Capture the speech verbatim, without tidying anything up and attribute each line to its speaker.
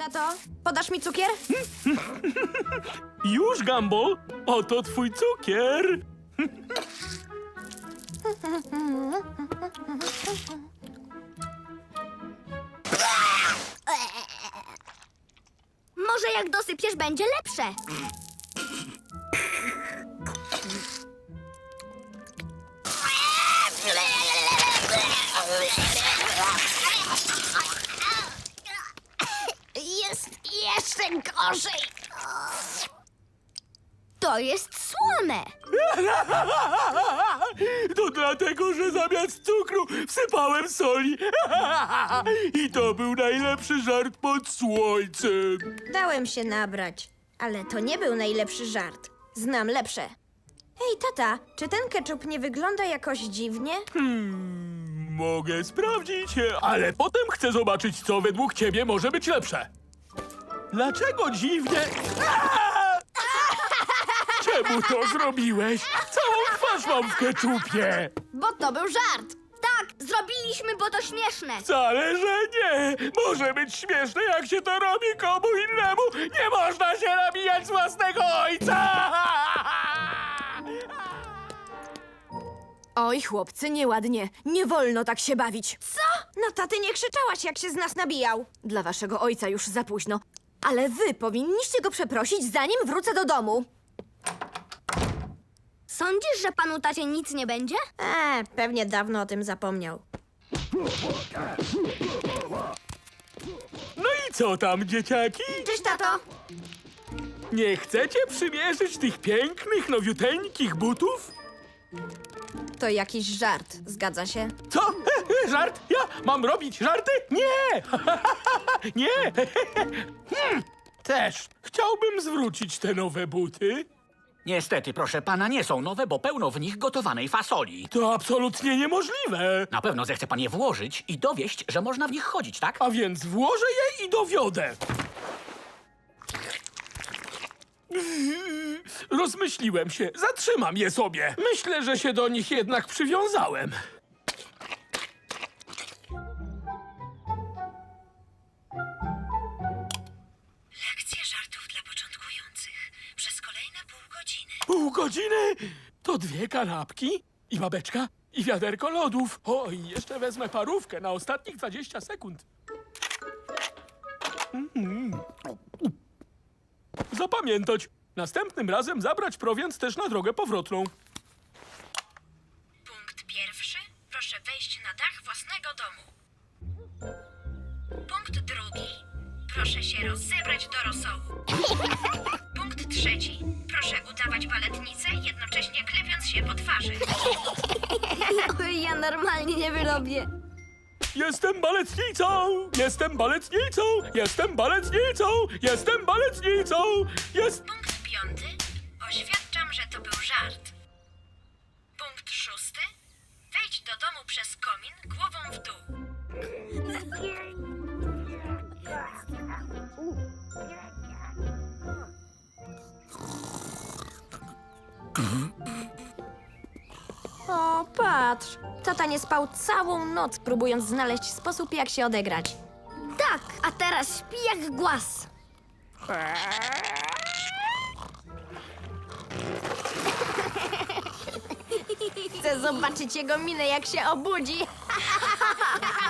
Speaker 1: Tato, podasz mi cukier?
Speaker 2: Już, Gumball! Oto twój cukier!
Speaker 3: Może jak dosypiesz, będzie lepsze. Jest jeszcze gorzej. To jest słone.
Speaker 2: To dlatego, że zamiast cukru wsypałem soli. I to był najlepszy żart pod słońcem.
Speaker 1: Dałem się nabrać, ale to nie był najlepszy żart. Znam lepsze. Hej, tata, czy ten ketchup nie wygląda jakoś dziwnie?
Speaker 2: Hmm, mogę sprawdzić, ale potem chcę zobaczyć, co według ciebie może być lepsze. Dlaczego dziwnie... Aaa! Czemu to zrobiłeś? Całą twarz mam w keczupie.
Speaker 3: Bo to był żart. Tak, zrobiliśmy, bo to śmieszne.
Speaker 2: Wcale, że nie. Może być śmieszne, jak się to robi komu innemu. Nie można się nabijać z własnego ojca.
Speaker 4: Oj, chłopcy, nieładnie. Nie wolno tak się bawić.
Speaker 1: Co? Na tatę nie krzyczałaś, jak się z nas nabijał.
Speaker 4: Dla waszego ojca już za późno. Ale wy powinniście go przeprosić, zanim wrócę do domu.
Speaker 3: Sądzisz, że panu tacie nic nie będzie?
Speaker 1: Eee, pewnie dawno o tym zapomniał.
Speaker 2: No i co tam, dzieciaki?
Speaker 1: Cześć, tato!
Speaker 2: Nie chcecie przymierzyć tych pięknych, nowiuteńkich butów?
Speaker 1: To jakiś żart, zgadza się?
Speaker 2: Co? Żart? Ja mam robić żarty? Nie! Nie! Hmm, Też chciałbym zwrócić te nowe buty.
Speaker 5: Niestety, proszę pana, nie są nowe, bo pełno w nich gotowanej fasoli.
Speaker 2: To absolutnie niemożliwe.
Speaker 5: Na pewno zechce pan je włożyć i dowieść, że można w nich chodzić, tak?
Speaker 2: A więc włożę je i dowiodę. Rozmyśliłem się. Zatrzymam je sobie. Myślę, że się do nich jednak przywiązałem.
Speaker 6: Lekcje żartów dla początkujących przez kolejne pół godziny.
Speaker 2: Pół godziny? To dwie kanapki i babeczka i wiaderko lodów. O, i jeszcze wezmę parówkę na ostatnich dwadzieścia sekund. Mm. Zapamiętać. Następnym razem zabrać prowiant też na drogę powrotną.
Speaker 6: Punkt pierwszy. Proszę wejść na dach własnego domu. Punkt drugi. Proszę się rozebrać do rosołu. Punkt trzeci. Proszę udawać baletnicę, jednocześnie klepiąc się po twarzy.
Speaker 3: Ja normalnie nie wyrobię.
Speaker 2: Jestem baletnicą! Jestem baletnicą! Jestem baletnicą! Jestem baletnicą! Jest...
Speaker 6: Punkt piąty. Oświadczam, że to był żart. Punkt szósty. Wejdź do domu przez komin głową w dół.
Speaker 1: O, patrz. Tata nie spał całą noc, próbując znaleźć sposób, jak się odegrać.
Speaker 3: Tak, a teraz śpi jak głaz.
Speaker 1: Chcę zobaczyć jego minę, jak się obudzi.